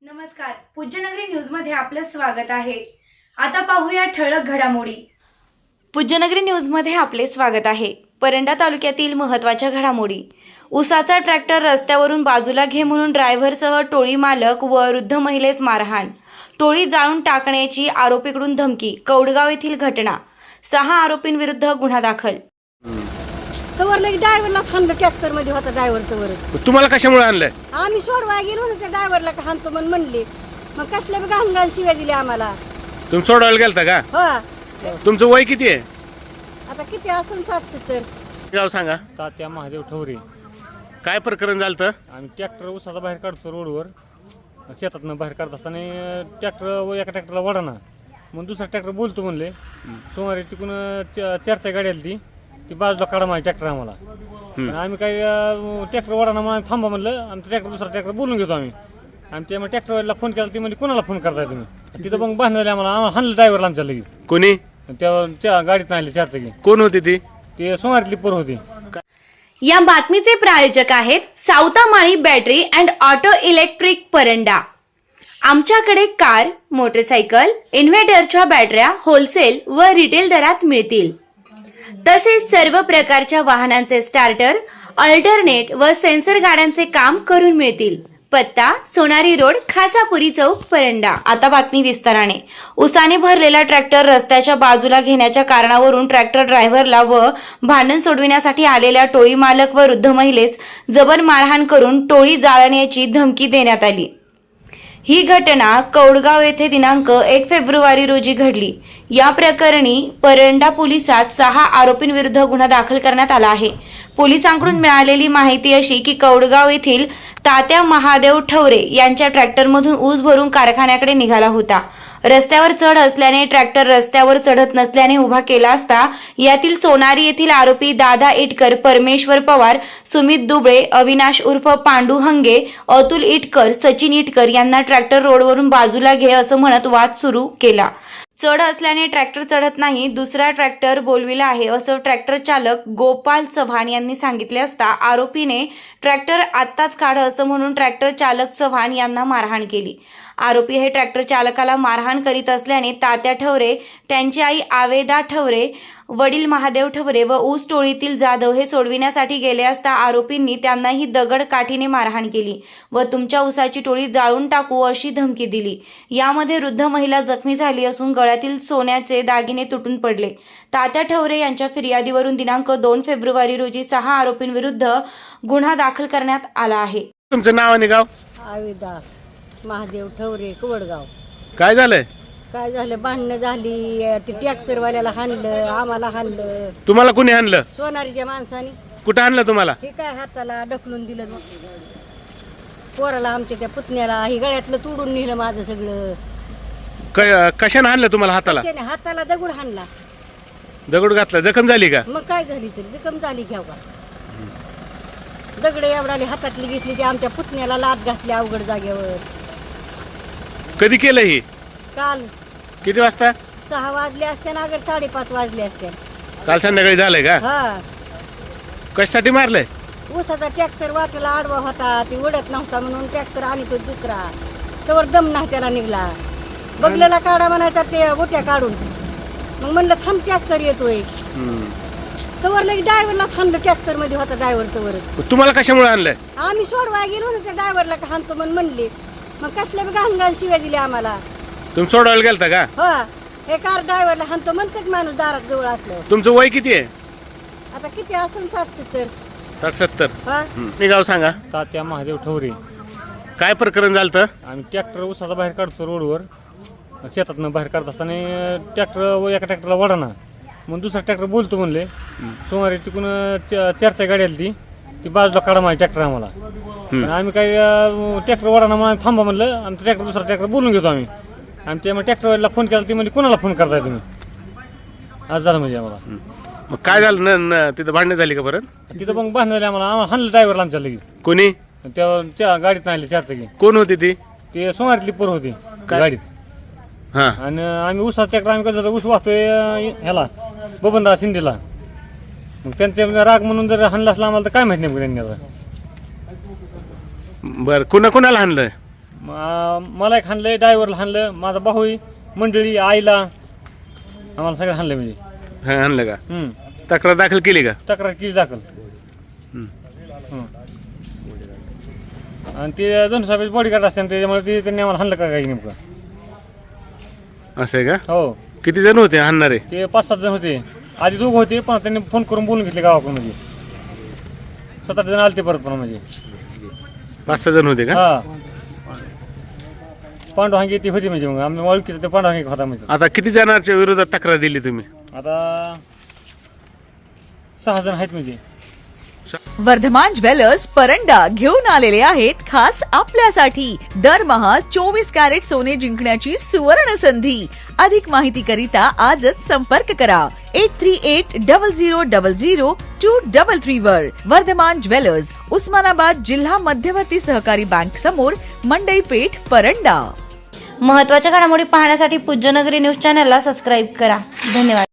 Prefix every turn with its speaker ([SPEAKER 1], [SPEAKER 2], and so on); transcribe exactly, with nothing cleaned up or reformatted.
[SPEAKER 1] नमस्कार, पूज्यनगरी न्यूज मध्ये आपलं स्वागत आहे। आता पाहूया ठळक घडामोडी। पूज्यनगरी न्यूज मध्ये आपले स्वागत आहे। परंडा तालुक्यातील महत्त्वाच्या घडामोडी। उसाचा ट्रॅक्टर रस्त्यावरून बाजूला घे म्हणून ड्रायव्हरसह टोळी मालक व वृद्ध महिलेस मारहाण, टोळी जाळून टाकण्याची आरोपीकडून धमकी। कौडगाव येथील घटना, सहा आरोपींविरुद्ध गुन्हा दाखल।
[SPEAKER 2] तवर लगे ड्रायव्हरला थांबलं, ट्रॅक्टर मध्ये होता ड्रायव्हर तवर।
[SPEAKER 3] तुम्हाला कशामुळे आणलंय?
[SPEAKER 2] आम्ही सोडवाय गेलो होतो त्या ड्रायव्हरला का हाणतो म्हणून म्हणले, मग कसल्या बी घाण घाण शिव्या दिल्या आम्हाला।
[SPEAKER 3] तुम्ही सोडवायला गेलता का?
[SPEAKER 2] हो।
[SPEAKER 3] तुमचं वय किती आहे?
[SPEAKER 2] आता किती असून साठ सत्तर।
[SPEAKER 3] गाव सांगा।
[SPEAKER 4] तात्या महादेव ठवरे।
[SPEAKER 3] काय प्रकरण झालं?
[SPEAKER 4] आम्ही ट्रॅक्टर उसाचा बाहेर काढतो रोडवर, शेतातनं बाहेर काढत असताना ट्रॅक्टर एका ट्रॅक्टरला वडाना, मग दुसरा ट्रॅक्टर बोलतो म्हणले। सोमवारी तिकून चारच्या गाडी आली, ती ती बाजूला काढा माझी ट्रॅक्टर आम्हाला। आम्ही काही ट्रॅक्टर वडाना म्हणून थांबा म्हणलं, आमचं ट्रॅक्टर दुसरा ट्रॅक्टर बोलून घेतो आम्ही। आणि ते मग ट्रॅक्टरवाल्याला फोन केला, ती म्हणजे कोणाला फोन करताय तुम्ही? तिथं मग बांधलं झाले आम्हाला, आम्हाला हाणलं ड्रायव्हरला आमच्या लगेच।
[SPEAKER 3] कोणी?
[SPEAKER 4] त्या गाडीत नाही आले चारचाकी।
[SPEAKER 3] कोण होती ती?
[SPEAKER 4] ते सोमवारीतली पोर होती।
[SPEAKER 1] या बातमीचे प्रायोजक आहेत Savatamali battery and auto electric Paranda. आमच्याकडे कार, मोटरसायकल, इन्व्हर्टरच्या बॅटऱ्या होलसेल व रिटेल दरात मिळतील। तसेच सर्व प्रकारच्या वाहनांचे स्टार्टर, अल्टरनेट व सेन्सर गाड्यांचे काम करून मिळतील। पत्ता सोनारी रोड, खासापुरी चौक, परंडा। आता बातमी विस्ताराने। उसाने भरलेला ट्रॅक्टर रस्त्याच्या बाजूला घेण्याच्या कारणावरून ट्रॅक्टर ड्रायव्हरला व भांडण सोडविण्यासाठी आलेल्या टोळी मालक व वृद्ध महिलेस जबर मारहाण करून टोळी जाळण्याची धमकी देण्यात आली। ही घटना कौडगाव येथे दिनांक एक फेब्रुवारी रोजी घडली। या प्रकरणी परंडा पोलिसात सहा आरोपींविरुद्ध गुन्हा दाखल करण्यात आला आहे। पोलिसांकडून मिळालेली माहिती अशी की कौडगाव येथील तात्या महादेव ठवरे यांच्या ट्रॅक्टरमधून ऊस भरून कारखान्याकडे निघाला होता। रस्त्यावर चढ असल्याने ट्रॅक्टर रस्त्यावर चढत नसल्याने उभा केला असता यातील सोनारी येथील आरोपी दादा इटकर, परमेश्वर पवार, सुमित दुबळे, अविनाश उर्फ पांडू हंगे, अतुल इटकर, सचिन इटकर यांना ट्रॅक्टर रोडवरून बाजूला घे असं म्हणत वाद सुरू केला। चढ असल्याने ट्रॅक्टर चढत नाही, दुसरा ट्रॅक्टर बोलविला आहे असं ट्रॅक्टर चालक गोपाल चव्हाण यांनी सांगितले असता आरोपीने ट्रॅक्टर आत्ताच काढ असं म्हणून ट्रॅक्टर चालक चव्हाण यांना मारहाण केली। आरोपी हे ट्रॅक्टर चालकाला मारहाण करीत असल्याने तात्या ठवरे, त्यांची आई आवेदा ठवरे, वडील महादेव ठवरे व ऊस टोळीतील जाधव हे सोडविण्यासाठी गेले असता आरोपींनी त्यांनाही दगड काठीने मारहाण केली व तुमच्या ऊसाची टोळी जाळून टाकू अशी धमकी दिली। यामध्ये वृद्ध महिला जखमी झाली असून गळ्यातील सोन्याचे दागिने तुटून पडले। तात्या ठवरे यांच्या फिर्यादीवरून दिनांक दोन फेब्रुवारी रोजी सहा आरोपींविरुद्ध गुन्हा दाखल करण्यात आला आहे।
[SPEAKER 3] तुमचं नाव आणि गाव?
[SPEAKER 2] आवेदा महादेव ठवरे, कवडगाव।
[SPEAKER 3] काय झालंय?
[SPEAKER 2] काय झालं, भांडणं झाली, ते ट्रॅक्टरवाल्याला हाणलं, आम्हाला हाणलं।
[SPEAKER 3] तुम्हाला कोणी आणलं?
[SPEAKER 2] सोनारीच्या माणसाने।
[SPEAKER 3] कुठं आणलं तुम्हाला?
[SPEAKER 2] हे काय हाताला ढकलून दिलं, पोराला आमच्या त्या पुतण्याला ही गळ्यातलं तोडून नेलं माझं सगळं।
[SPEAKER 3] क- कशाने आणलं तुम्हाला हाताला?
[SPEAKER 2] त्याने हाताला दगड हाणला।
[SPEAKER 3] दगड घातला, जखम झाली का?
[SPEAKER 2] मग काय झाली तरी जखम झाली घ्याव का? दगड एवढाली हातातली घेतली, ती आमच्या पुतण्याला लात घातली अवघड जागेवर।
[SPEAKER 3] कधी केलं ही?
[SPEAKER 2] काल
[SPEAKER 3] किती वाजता?
[SPEAKER 2] सहा वाजले असते ना, अगर साडेपाच वाजले असते।
[SPEAKER 3] काल संध्याकाळी झालंय का?
[SPEAKER 2] हा,
[SPEAKER 3] कशासाठी मारलंय?
[SPEAKER 2] ऊसाचा ट्रॅक्टर वाटेला आडवा होता, ती उडत नव्हता म्हणून ट्रॅक्टर आणि तो दुसरा तवर दम नाही त्याला निघला। बगलेला काढा म्हणायचा, ते गोट्या काढून, मग म्हणलं थांब ट्रॅक्टर येतोय, तवर लगे ड्रायव्हरला थांबलं, ट्रॅक्टर मध्ये होता ड्रायव्हर तवर।
[SPEAKER 3] तुम्हाला कशामुळे आणलंय?
[SPEAKER 2] आम्ही सोडवाय गेलो होतो त्या ड्रायव्हरला का हाणतो म्हणून म्हणले, मग कसल्या बी घाण घाण शिव्या दिल्या आम्हाला।
[SPEAKER 3] तुम्ही सोडवायला गेलता का?
[SPEAKER 2] हो, हे कार ड्रायव्हरला हाणतो म्हणतात माणूस दारात जवळ असलं।
[SPEAKER 3] तुमचं वय किती आहे?
[SPEAKER 2] आता किती असून साठ सत्तर।
[SPEAKER 3] साठ सत्तर।
[SPEAKER 2] हा,
[SPEAKER 3] मी गाव सांगा।
[SPEAKER 4] तात्या महादेव ठवरे।
[SPEAKER 3] काय प्रकरण झालं?
[SPEAKER 4] आम्ही ट्रॅक्टर उसाचा बाहेर काढतो रोडवर, शेतातनं बाहेर काढत असताना ट्रॅक्टर एका ट्रॅक्टरला वडाना, मग दुसरा ट्रॅक्टर बोलतो म्हणले। सोमवारी तिकून चारच्या गाडी आली, ती ती बाजूला काढा माझी ट्रॅक्टर आम्हाला। आम्ही काही ट्रॅक्टर वडाना म्हणून थांबा म्हणलं, आमचं ट्रॅक्टर दुसरा ट्रॅक्टर बोलून घेतो आम्ही। आणि ते मग ट्रॅक्टरवाल्याला फोन केला, ती म्हणजे कोणाला फोन करताय तुम्ही? आज झालं म्हणजे आम्हाला।
[SPEAKER 3] मग काय झालं न- न तिथं भांडणं झाली का परत?
[SPEAKER 4] तिथं मग बांधलं झाले आम्हाला, आम्हाला हाणलं ड्रायव्हरला आमच्या लगेच।
[SPEAKER 3] कोणी?
[SPEAKER 4] त्या गाडीत नाही आले चारचाकी।
[SPEAKER 3] कोण होती ती?
[SPEAKER 4] ते सोमवारीतली पोर होती गाडीत।
[SPEAKER 3] हा,
[SPEAKER 4] आणि आम्ही ऊसा ट्रॅक्टर आम्ही कसं ऊस वाहतोय ह्याला बबनदा शिंदेला, मग त्यांचा राग म्हणून जर हाणला असला आम्हाला तर काय माहिती नाही त्यांनी आता।
[SPEAKER 3] बर, कुणा कुणाला आणलंय?
[SPEAKER 4] म- मला एक हाणलं ड्रायव्हरला हाणलं, माझा भाऊही, मंडळी, आईला, आम्हाला सगळं हाणलं म्हणजे.
[SPEAKER 3] हा, आणलं का?
[SPEAKER 4] हम्म.
[SPEAKER 3] तक्रार दाखल केली का?
[SPEAKER 4] तक्रार केली दाखल.
[SPEAKER 3] हम्म.
[SPEAKER 4] हं. आणि ते दोन साहेब बॉडीगार्ड असतात त्याच्यामुळे ते त्यांनी आम्हाला हाणलं का काही नेमकं.
[SPEAKER 3] असं आहे का?
[SPEAKER 4] हो,
[SPEAKER 3] किती जण होते आणणारे?
[SPEAKER 4] ते पाच सात जण होते. आधी दोघं होते पण त्यांनी फोन करून बोलून घेतले गावाकडून म्हणजे. सात आठ जण आले ते परत पण म्हणजे.
[SPEAKER 3] पाच सहा जण होते का?
[SPEAKER 4] हा, पांडुहांगी ती होती म्हणजे. मग आम्ही ओळखीचं ते पांडुहांगी होता म्हणजे.
[SPEAKER 3] आता किती जणांच्या विरोधात तक्रार दिली तुम्ही?
[SPEAKER 4] आता सहा जण आहेत म्हणजे.
[SPEAKER 5] वर्धमान ज्वेलर्स परंडा घेऊन आलेले आहेत खास आपल्यासाठी दरमहा चोवीस कॅरेट सोने जिंकण्याची सुवर्ण संधी. अधिक माहिती करिता आजच संपर्क करा eight three eight double zero double zero two double three वर. वर्धमान ज्वेलर्स, उस्मानाबाद जिल्हा मध्यवर्ती सहकारी बँक समोर, मंडई पेठ, परंडा.
[SPEAKER 1] महत्त्वाच्या घडामोडी पाहण्यासाठी पूज्यनगरी न्यूज चॅनलला सबस्क्राईब करा. धन्यवाद.